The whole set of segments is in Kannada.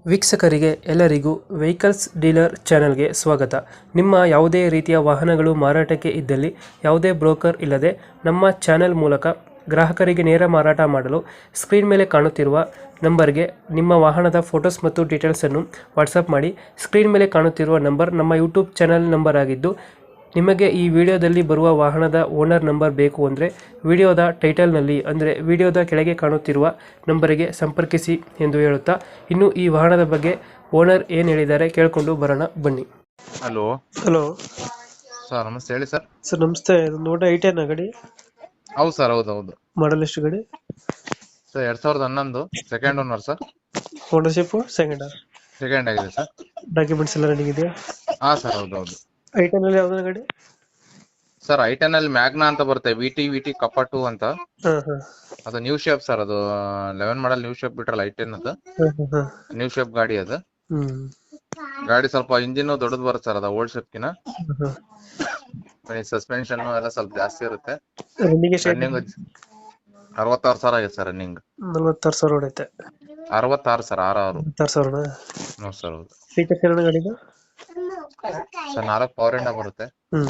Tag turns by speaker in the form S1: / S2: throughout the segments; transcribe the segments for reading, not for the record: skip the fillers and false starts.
S1: ವೀಕ್ಷಕರಿಗೆ ಎಲ್ಲರಿಗೂ ವೆಹಿಕಲ್ಸ್ ಡೀಲರ್ ಚಾನೆಲ್ಗೆ ಸ್ವಾಗತ. ನಿಮ್ಮ ಯಾವುದೇ ರೀತಿಯ ವಾಹನಗಳು ಮಾರಾಟಕ್ಕೆ ಇದ್ದಲ್ಲಿ ಯಾವುದೇ ಬ್ರೋಕರ್ ಇಲ್ಲದೆ ನಮ್ಮ ಚಾನೆಲ್ ಮೂಲಕ ಗ್ರಾಹಕರಿಗೆ ನೇರ ಮಾರಾಟ ಮಾಡಲು ಸ್ಕ್ರೀನ್ ಮೇಲೆ ಕಾಣುತ್ತಿರುವ ನಂಬರ್ಗೆ ನಿಮ್ಮ ವಾಹನದ ಫೋಟೋಸ್ ಮತ್ತು ಡೀಟೇಲ್ಸನ್ನು ವಾಟ್ಸಪ್ ಮಾಡಿ. ಸ್ಕ್ರೀನ್ ಮೇಲೆ ಕಾಣುತ್ತಿರುವ ನಂಬರ್ ನಮ್ಮ ಯೂಟ್ಯೂಬ್ ಚಾನೆಲ್ ನಂಬರ್ ಆಗಿದ್ದು, ನಿಮಗೆ ಈ ವಿಡಿಯೋದಲ್ಲಿ ಬರುವ ವಾಹನದ ಓನರ್ ನಂಬರ್ ಬೇಕು ಅಂದರೆ ವಿಡಿಯೋದ ಟೈಟಲ್ನಲ್ಲಿ ಅಂದರೆ ವಿಡಿಯೋದ ಕೆಳಗೆ ಕಾಣುತ್ತಿರುವ ನಂಬರಿಗೆ ಸಂಪರ್ಕಿಸಿ ಎಂದು ಹೇಳುತ್ತಾ, ಇನ್ನು ಈ ವಾಹನದ ಬಗ್ಗೆ ಓನರ್ ಏನು ಹೇಳಿದ್ದಾರೆ ಕೇಳಿಕೊಂಡು ಬರೋಣ ಬನ್ನಿ.
S2: ಹಲೋ
S1: ಹಲೋ
S2: ಸರ್, ನಮಸ್ತೆ. ಹೇಳಿ ಸರ್.
S1: ಸರ್ ನಮಸ್ತೆ. ನೋಡ ಐಟೆನ್ ಗಾಡಿ
S2: ಹೌದು ಸರ್, ಹೌದು.
S1: ಮಾಡಲ್ ಎಷ್ಟು ಗಾಡಿ?
S2: Sir 2011 second owner sir.
S1: Ownership second
S2: ಆಗಿದೆ ಸರ್.
S1: ಡಾಕ್ಯುಮೆಂಟ್ಸ್ ಎಲ್ಲ ರನ್ನಿಂಗ್ ಇದೆಯಾ?
S2: ಹಾ ಸರ್, ಹೌದು.
S1: ಐಟೆನ್ ಅಲ್ಲಿ ಯಾವ್ದಾರ ಗಾಡಿ?
S2: ಸರ್ ಐಟೆನ್ ಅಲ್ಲಿ ಮ್ಯಾಗ್ನಾ ಅಂತ ಬರುತ್ತೆ, ವಿಟಿ ಕಪ್ಪ 2 ಅಂತ.
S1: ಹಾಂ ಹಾಂ
S2: ಅದು ನ್ಯೂ ಶೇಪ್ ಸರ್. ಅದು 11 ಮಾಡಲ್ ನ್ಯೂ ಶೇಪ್ ಬಿಟ್ರಲ್ಲ ಐಟೆನ್ ಅದು ನ್ಯೂ ಶೇಪ್ ಗಾಡಿ. ಅದು ಗಾಡಿ ಸ್ವಲ್ಪ ಇಂಜಿನ್ ದೊಡ್ಡದು ಬರುತ್ತೆ ಸರ್, ಅದು ಓಲ್ಡ್ ಶೇಪ್ ಕಿನ. ಸಸ್ಪೆನ್ಷನ್ ಎಲ್ಲ ಸ್ವಲ್ಪ ಜಾಸ್ತಿ ಇರುತ್ತೆ. ರನ್ನಿಂಗ್ 66,000 ಆಗಿದೆ ಸರ್. ರನ್ನಿಂಗ್
S1: 46,000 ಹೊಡೈತೆ.
S2: 66 ಸರ್, 66.
S1: 46,000
S2: ಹೌದು ಸರ್, ಹೌದು.
S1: ಫೀಚರ್ಸ್ ಏನೋ ಗಾಡಿದು?
S2: ಸರ್ 4 ಪವರ್ ಇಂಡ ಬರುತ್ತೆ.
S1: ಹ್ಮ್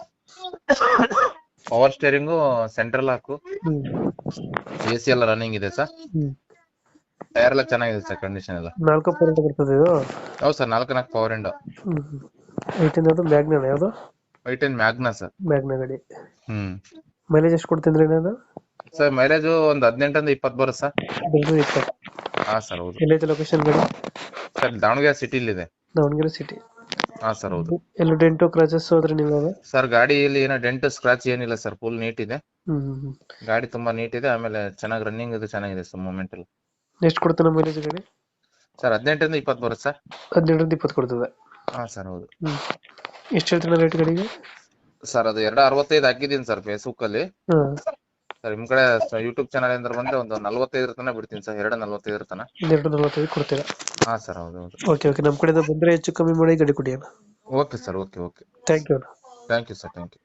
S2: ಪವರ್ ಸ್ಟೇರಿಂಗು, ಸೆಂಟ್ರಲ್ ಹಾಕು,
S1: ಹ್ಮ್
S2: AC ಎಲ್ಲ ರನ್ನಿಂಗ್ ಇದೆ ಸರ್.
S1: ಹ್ಮ್
S2: ಟೈರ್ ಎಲ್ಲ ಚೆನ್ನಾಗಿದೆ ಸರ್, ಕಂಡೀಷನ್ ಎಲ್ಲ.
S1: 4 ಪರ್ಸೆಂಟ್ ಬರ್ತದೆ ಇದು.
S2: ಹೌದು ಸರ್, 4 ಪವರ್ ಇಂಡ.
S1: ಐಟೆನ್ ಅದು ಮ್ಯಾಗ್ನ ಯಾವುದು?
S2: ಐಟೆನ್ ಮ್ಯಾಗ್ನಾ ಸರ್.
S1: ಮ್ಯಾಗ್ನ ಗಾಡಿ.
S2: ಹ್ಮ್
S1: ಮೈಲೇಜ್ ಎಷ್ಟು ಕೊಡ್ತೀನಿ ಏನಾದ್ರು?
S2: ಸರ್ ಮೈಲೇಜ್ ಒಂದು 18 ಇಂದ 20 ಬರುತ್ತೆ ಸರ್.
S1: ಬೆಂಗಳೂರು 20.
S2: ಹಾ ಸರ್, ಹೌದು.
S1: ಎಲ್ಲೈತೆ ಲೊಕೇಶನ್ ಗಾಡಿ?
S2: ಸರ್ ದಾವಣಗೆರೆ ಸಿಟಿಲಿ ಇದೆ.
S1: ದಾವಣಗೆರೆ ಸಿಟಿ.
S2: ಹಾ ಸರ್, ಹೌದು.
S1: ಎಲ್ಲ ಡೆಂಟು ಕ್ರಾಚಸ್ ಹೋದ್ರೆ ನೀವು?
S2: ಸರ್ ಗಾಡಿಯಲ್ಲಿ ಏನೋ ಡೆಂಟ್ ಸ್ಕ್ರಾಚ್ ಏನಿಲ್ಲ ಸರ್, ಫುಲ್ ನೀಟ್ ಇದೆ.
S1: ಹ್ಮ್
S2: ಗಾಡಿ ತುಂಬಾ ನೀಟ್ ಇದೆ. ಆಮೇಲೆ ಚೆನ್ನಾಗಿ ರನ್ನಿಂಗ್ ಇದು ಚೆನ್ನಾಗಿದೆ ಸರ್, ಮೂವ್ಮೆಂಟ್ ಎಲ್ಲ.
S1: ಎಷ್ಟು ಕೊಡ್ತಾನೆ ಮೈಲೇಜ್ ಗಾಡಿ?
S2: ಸರ್ 18 ಇಂದ 20 ಬರುತ್ತೆ ಸರ್.
S1: 18 20 ಕೊಡ್ತದೆ.
S2: ಹಾ ಸರ್, ಹೌದು.
S1: ಎಷ್ಟು ಹೇಳ್ತಾನೆ ರೇಟ್ ಗಾಡಿಗೆ?
S2: ಸರ್ ಅದು 265 ಹಾಕಿದೀನಿ ಸರ್ ಫೇಸ್ಬುಕ್ ಅಲ್ಲಿ.
S1: ಹಾಂ
S2: ಸರ್ ನಿಮ್ ಕಡೆ ಯೂಟ್ಯೂಬ್ ಚಾನಲ್ ಅಂದ್ರೆ ಬಂದ್ರೆ ಒಂದು 45 ತನಕ ಬಿಡ್ತೀನಿ ಸರ್. 245 ತನಕ.
S1: 245 ಕೊಡ್ತೀರಾ?
S2: ಹಾ ಸರ್, ಹೌದು.
S1: ಓಕೆ ನಮ್ಮ ಕಡೆಯಿಂದ ಬಂದರೆ ಹೆಚ್ಚು ಕಮ್ಮಿ ಮಾಡಿ ಗಾಡಿ ಕೊಡಿ ಅಣ್ಣ.
S2: Okay sir, okay.
S1: Thank you.
S2: Thank you sir, thank you.